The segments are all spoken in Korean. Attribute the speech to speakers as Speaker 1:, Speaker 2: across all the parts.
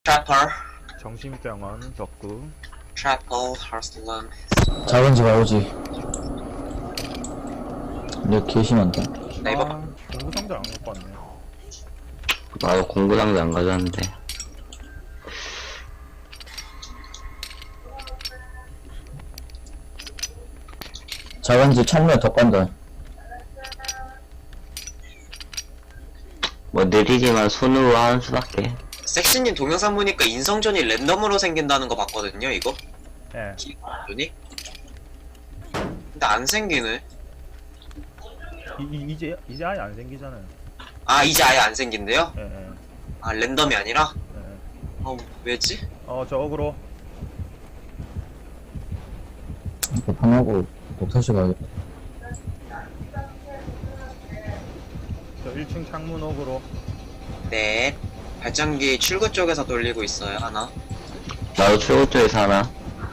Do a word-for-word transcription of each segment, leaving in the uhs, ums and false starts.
Speaker 1: 트래퍼
Speaker 2: 정신병원 덕구.
Speaker 1: 트래퍼 하슬람.
Speaker 3: 작은 집 아오지. 근데 개심한다.
Speaker 1: 나 이거
Speaker 2: 아, 공부 상자 안 갖고 왔네.
Speaker 4: 나도 공부장도 안 가져왔는데.
Speaker 3: 작은 집 창문에 더 깐다.
Speaker 4: 뭐 느리지만 손으로 하는 수밖에.
Speaker 1: 섹시님 동영상 보니까 인성전이 랜덤으로 생긴다는 거 봤거든요, 이거?
Speaker 2: 예.
Speaker 1: 인성전이? 근데 안 생기네.
Speaker 2: 이, 이, 이제, 이제 아예 안 생기잖아요.
Speaker 1: 아, 이제 아예 안 생긴대요?
Speaker 2: 예, 예.
Speaker 1: 아, 랜덤이 아니라?
Speaker 2: 예.
Speaker 1: 어, 왜지?
Speaker 2: 어, 저 어그로.
Speaker 3: 이거 방하고 독서실 가야겠다.
Speaker 2: 저 일 층 창문 어그로.
Speaker 1: 네. 발전기 출구 쪽에서 돌리고 있어요, 하나.
Speaker 4: 나도 출구 쪽에서 하나.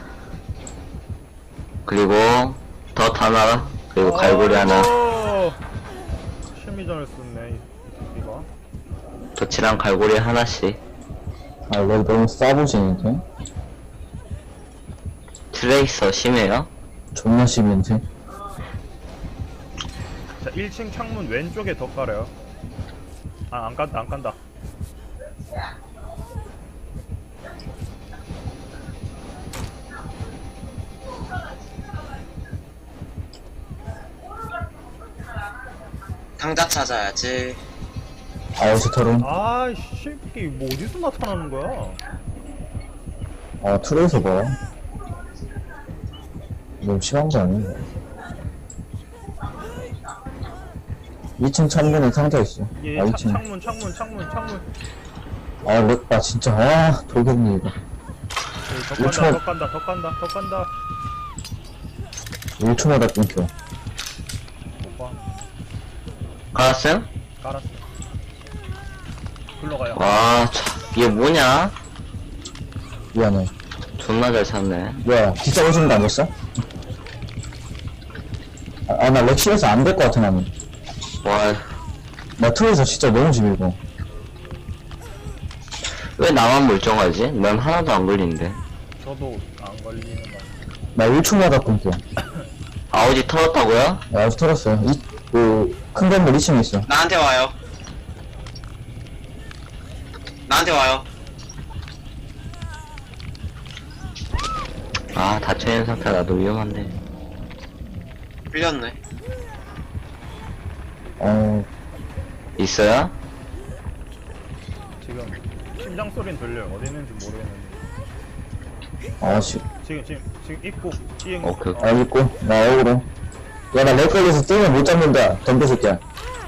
Speaker 4: 그리고 덧 하나. 그리고 갈고리 하나.
Speaker 2: 아이고! 심리전을 썼네, 이- 이거.
Speaker 4: 덧이랑 갈고리 하나씩.
Speaker 3: 아, 이거 너무 싸보시는데?
Speaker 4: 트레이서 심해요?
Speaker 3: 존나 심인데?
Speaker 2: 자, 일 층 창문 왼쪽에 더 깔아요. 아, 안 깐다, 안 깐다.
Speaker 1: 상자 찾아야지.
Speaker 3: 아오지 털은?
Speaker 2: 아, 이 새끼, 뭐 어디서 나타나는 거야?
Speaker 3: 아, 트레이서 봐. 너무 심한 거 아니야? 이 층 창문에 상자 있어.
Speaker 2: 예,
Speaker 3: 아,
Speaker 2: 차,
Speaker 3: 이 층.
Speaker 2: 창문, 창문, 창문, 창문.
Speaker 3: 아, 렉, 아, 진짜, 아, 돌겠네, 이거.
Speaker 2: 예, 더
Speaker 3: 일 초.
Speaker 2: 간다, 더 간다, 더 간다, 더 간다.
Speaker 3: 일 초마다 끊겨.
Speaker 2: 못 봐.
Speaker 4: 갈았어요?
Speaker 2: 깔았어. 글로 가요.
Speaker 4: 와, 참, 이게 뭐냐?
Speaker 3: 미안해.
Speaker 4: 존나 잘 찾네.
Speaker 3: 뭐야, 기차 오시는 거 아니었어? 아, 아, 나 렉실에서 안 될 것 같아, 나는.
Speaker 4: 와,
Speaker 3: 나 트레이서 진짜 너무 집이고.
Speaker 4: 왜 나만 멀쩡하지? 난 하나도 안 걸리는데.
Speaker 2: 저도 안 걸리는 거.
Speaker 3: 나 일 초마다 끊겨.
Speaker 4: 아우지 털었다고요?
Speaker 3: 야, 아직 털었어요. 이, 그, 큰 건물 이 층에 있어.
Speaker 1: 나한테 와요. 나한테 와요.
Speaker 4: 아, 닫혀있는 상태 나도 위험한데.
Speaker 1: 풀렸네.
Speaker 3: 어,
Speaker 4: 있어요?
Speaker 2: 지금 심장 소리는 들려요. 어디 있는지 모르겠는데.
Speaker 3: 아, 씨.
Speaker 2: 지금 지금 지금 입구 이행.
Speaker 4: 오케이,
Speaker 2: 어,
Speaker 3: 알겠고, 나 억울해. 야, 나 렉 걸려서 뜨면 못 잡는다. 덤벼 새끼야.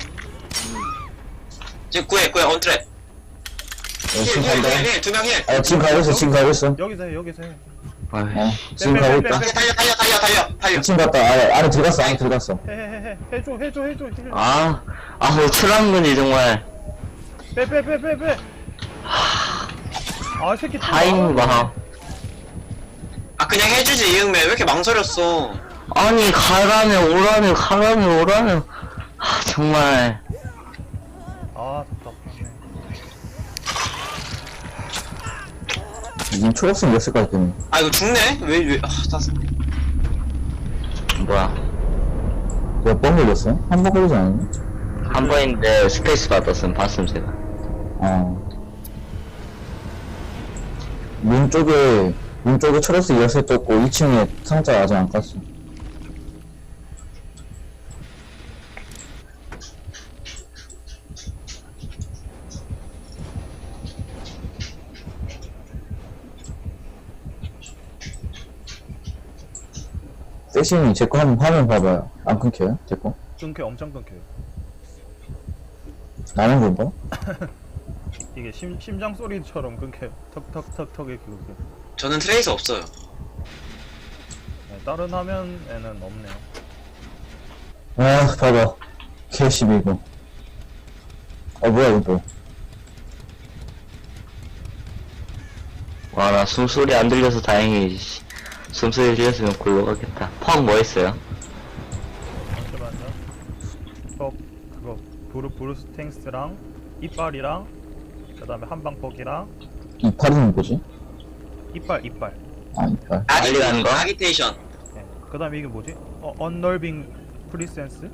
Speaker 1: 지금 구해, 구해, 온트랩.
Speaker 3: 어,
Speaker 1: 힐,
Speaker 3: 지금
Speaker 1: 힐,
Speaker 3: 간다.
Speaker 1: 힐, 힐, 두 명 힐.
Speaker 3: 아, 지금 가고 있어, 지금 가고 있어.
Speaker 2: 여기서 해, 여기서 해.
Speaker 4: 아이,
Speaker 3: 어, 지금 가고 있다.
Speaker 1: 달려, 달려, 달려, 달려, 달려, 달려.
Speaker 3: 지금 갔다. 안에, 안에 들어갔어, 안에 들어갔어.
Speaker 2: 해, 해, 해, 해. 해줘, 해줘, 해줘. 힐.
Speaker 4: 아, 아, 왜 트랑근이 정말.
Speaker 2: 빼, 빼, 빼, 빼, 빼. 아, 이 새끼. 또
Speaker 4: 타이밍
Speaker 2: 나가네.
Speaker 4: 봐.
Speaker 1: 아, 그냥 해주지, 이응매. 왜 이렇게 망설였어?
Speaker 4: 아니, 가라며, 오라며, 가라며, 오라며. 아, 정말.
Speaker 2: 아, 답답하네.
Speaker 3: 지금 초록색 몇 색깔 때문에.
Speaker 1: 아, 이거 죽네? 왜, 왜, 아, 나,
Speaker 4: 뭐야.
Speaker 3: 몇 번 걸렸어? 한 번 걸리지 않았나?
Speaker 4: 한 번인데 스페이스 받았으면 봤음, 제가.
Speaker 3: 어. 문 쪽에, 문 쪽에 초록색 열쇠 떴고, 이 층에 상자 아직 안 깠어. 세신이 제 거 한번 화면 봐봐요. 안 끊겨요? 제 거?
Speaker 2: 끊겨, 엄청 끊겨요.
Speaker 3: 나는 건가?
Speaker 2: 이게 심 심장 소리처럼 끊겨요. 턱턱턱턱 이렇게 끊겨.
Speaker 1: 저는 트레이서 없어요.
Speaker 2: 네, 다른 화면에는 없네요.
Speaker 3: 아, 봐봐. 개십이 이거. 아, 뭐야, 이거.
Speaker 4: 와, 나 숨소리 안 들려서 다행히, 씨. 숨소리 들렸으면 골로 가겠다. 펑 뭐 했어요?
Speaker 2: 잠시만요. 턱 그거 브루 브루스 탱스랑 이빨이랑 그다음에 한방폭이랑
Speaker 3: 이파리는 뭐지?
Speaker 2: 이빨 이빨.
Speaker 3: 아, 이빨.
Speaker 4: 빨리 가는 거?
Speaker 1: 아기테이션.
Speaker 2: 네. 그다음에 이게 뭐지? 어 언널빙 프리센스.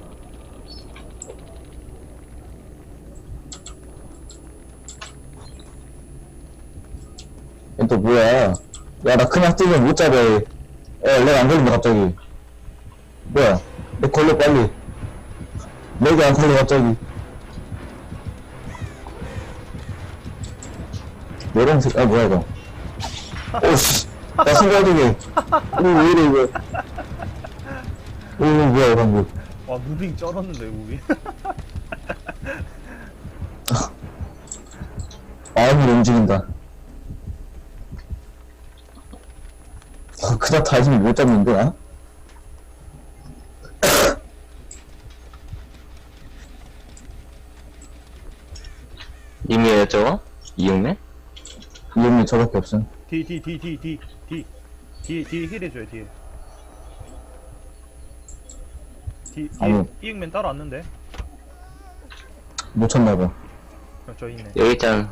Speaker 3: 얘 또 뭐야? 야, 나 그냥 뛰면 못 잡아. 야, 내가 안 걸린다, 갑자기. 뭐야? 내 걸려, 빨리. 내가 안 걸려, 갑자기. 노란색, 아, 뭐야, 이거. 오씨. 나 순간적에. 오, 왜 이래, 이거. 오, 뭐야, 방금.
Speaker 2: 와 무빙 쩔었는데 무빙.
Speaker 3: 마음이 움직인다. 어, 그냥 다시는 못 잡는데, 나?
Speaker 4: 님이에요 저거? 이육맨?
Speaker 3: 이름이 저밖에 없음.
Speaker 2: D D D D D D D D 힐 해줘요 뒤에. D
Speaker 3: 아니.
Speaker 2: D 이응맨 따라왔는데.
Speaker 3: 못 쳤나봐.
Speaker 2: 어, 저 있네.
Speaker 4: 여기 있잖아.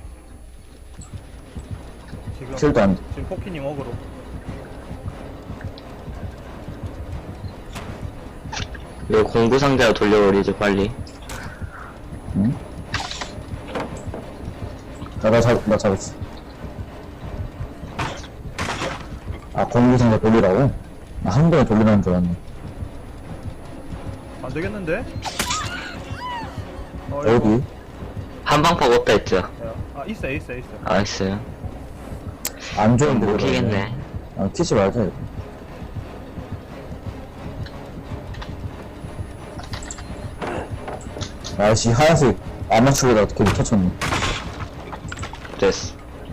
Speaker 2: 지금
Speaker 3: 킬도 안 돼.
Speaker 2: 지금 포키님 어그로.
Speaker 4: 여기 공구 상자로 돌려버리죠 빨리.
Speaker 3: 응? 나, 나 잡, 나 잡았어. 아, 공구상자 돌리라고? 나 한 번에 돌리라는 줄 알았네.
Speaker 2: 안 되겠는데? 어,
Speaker 3: 어디?
Speaker 4: 한방폭 없다 했죠?
Speaker 2: 야, 아 있어 있어 있어.
Speaker 4: 아 있어요.
Speaker 3: 안 좋은데.
Speaker 4: 못
Speaker 3: 그러네.
Speaker 4: 키겠네.
Speaker 3: 아, 키지 말자, 이거. 아이씨, 하얀색 아마추어가 어떻게 못 쳤네.
Speaker 4: 됐어.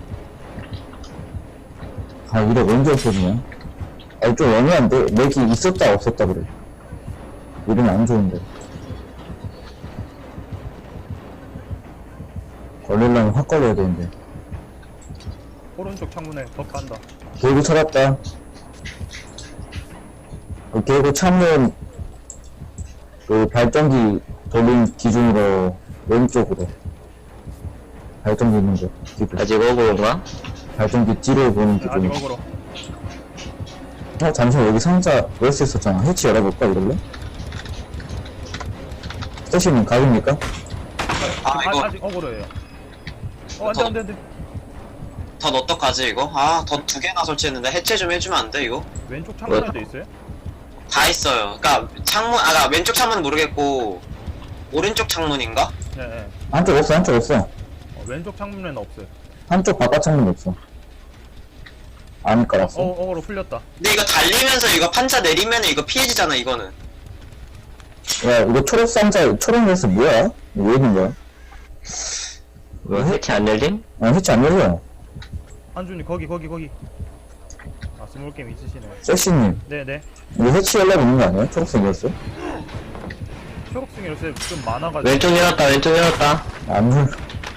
Speaker 3: 아, 이래 언제 없어지냐? 아, 좀 애매한데? 맥이 있었다, 없었다, 그래. 이러면 안 좋은데. 걸리려면 확 걸려야 되는데.
Speaker 2: 오른쪽 창문에 더 간다.
Speaker 3: 개구 찾았다. 그 개구 창문, 그 발전기 돌린 기준으로 왼쪽으로. 발전기 있는 거. 기준.
Speaker 4: 아직 오고인가?
Speaker 3: 발전기 뒤로 보는
Speaker 2: 네, 아직
Speaker 3: 기준.
Speaker 2: 어그로.
Speaker 3: 어, 잠시만, 여기 상자 열수 있었잖아. 해치 열어볼까, 이걸로? 스테이션님 가입니까?
Speaker 1: 아
Speaker 2: 아,
Speaker 1: 이거
Speaker 2: 아직 어그로예요. 어 안돼 안돼 안돼.
Speaker 1: 덧 어떡하지 이거? 아 덧 두 개나 설치했는데 해체 좀 해주면 안 돼 이거?
Speaker 2: 왼쪽 창문에도 있어요?
Speaker 1: 다 있어요. 그니까 창문 아까 그러니까 왼쪽 창문은 모르겠고 오른쪽 창문인가?
Speaker 2: 네, 네.
Speaker 3: 한쪽 없어, 한쪽 없어.
Speaker 2: 어, 왼쪽 창문에는 없어요.
Speaker 3: 한쪽 바깥 창문 없어. 안 깔았어.
Speaker 2: 어 어그로 풀렸다.
Speaker 1: 근데 이거 달리면서 이거 판자 내리면 이거 피해지잖아 이거는.
Speaker 3: 야, 이거 초록 상자, 초록 레스 뭐야? 이거 왜 있는 거야?
Speaker 4: 뭐 해치 안 열림?
Speaker 3: 아, 해치 안 열려.
Speaker 2: 안준이 거기 거기 거기. 아 스몰 게임 있으시네.
Speaker 3: 섹시님,
Speaker 2: 네네.
Speaker 3: 이거 해치 열려 있는 거 아니야? 초록색 레스?
Speaker 2: 초록색 열쇠 좀 많아가지고.
Speaker 4: 왼쪽 열었다 왼쪽 열었다.
Speaker 3: 안 열려.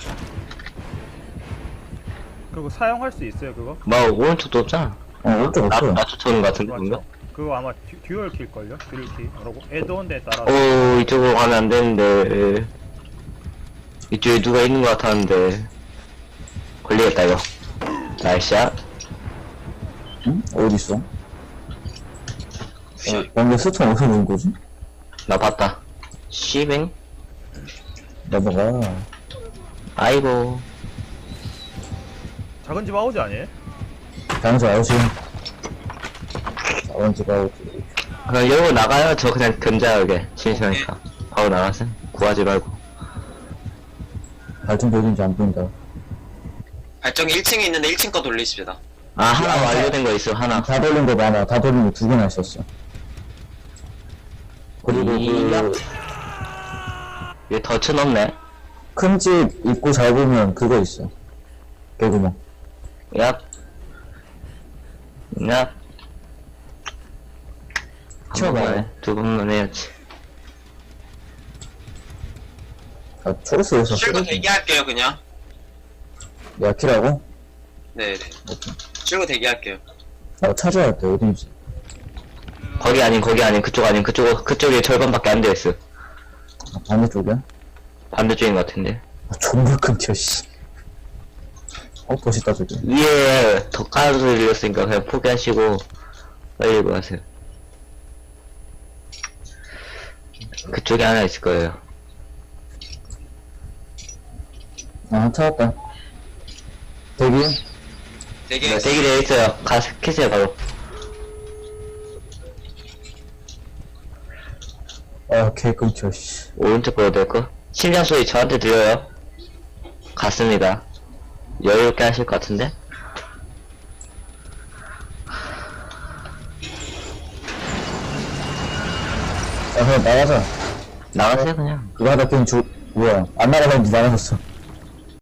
Speaker 2: 그거 사용할 수 있어요 그거?
Speaker 4: 뭐 오른쪽도 없잖아.
Speaker 3: 어, 오른쪽
Speaker 4: 나,
Speaker 3: 없어.
Speaker 4: 나 쫓아오는 거 같은데 뭔가?
Speaker 2: 맞죠? 그거 아마 듀, 듀얼 킬걸요? 듀얼 킬. 그러고 애드온에 따라.
Speaker 4: 오 이쪽으로 가면 안 되는데 이쪽에 누가 있는 것 같았는데 걸리겠다 이거. 나이스샷.
Speaker 3: 응? 어딨어? 어, 근데 스톤 어디서 본 거지?
Speaker 4: 나 봤다. 씨뱅.
Speaker 3: 넘어가.
Speaker 4: 아이고.
Speaker 2: 작은 집 아우지 아니에요?
Speaker 3: 장소 아웃이. 자원지가 아웃이.
Speaker 4: 그냥 열고 나가요. 저 그냥 견자하게 심심하니까 바로 나가세요. 구하지 말고.
Speaker 3: 발전 보이는지 안 보인다.
Speaker 1: 발전기 일 층에 있는데 일 층 거 돌리십니다.
Speaker 4: 아 하나 완료된 거 있어 하나.
Speaker 3: 다 돌린 거 많아. 다 돌린 거 두 개나 있었어. 그리고
Speaker 4: 이야.
Speaker 3: 그,
Speaker 4: 얘 덫은 없네.
Speaker 3: 큰 집 입구 잘 보면 그거 있어. 개구멍.
Speaker 4: 야. 야. 한
Speaker 3: 튀어나와요.
Speaker 4: 번만 해. 두 번만 해야지.
Speaker 3: 아, 초록색에서
Speaker 1: 출구 대기할게요 그냥.
Speaker 3: 야키라고?
Speaker 1: 네네. 출구 대기할게요.
Speaker 3: 나 찾아야 돼. 어딘지.
Speaker 4: 거기 아닌 거기 아닌 그쪽 아닌 그쪽 그쪽에 절반밖에 안 되어있어.
Speaker 3: 아, 반대쪽이야?
Speaker 4: 반대쪽인 것 같은데.
Speaker 3: 아, 존나 끊겨, 씨. 어, 멋있다, 저기.
Speaker 4: 위에 더 까는 소리 들렸으니까 그냥 포기하시고 빨리 이거 하세요. 그쪽에 하나 있을 거예요.
Speaker 3: 아, 찾았다. 대기.
Speaker 1: 되게
Speaker 4: 네, 대기 되어 있어요. 가서 캐세요 바로.
Speaker 3: 아, 개 끊겨, 씨.
Speaker 4: 오른쪽 거로 될 거. 심장 소리 저한테 들려요. 갔습니다. 여유롭게 하실 것 같은데?
Speaker 3: 야, 그냥 나가자.
Speaker 4: 나가세요 그냥.
Speaker 3: 그거 하다 그냥 죽, 뭐야. 안 나가다니 나가졌어.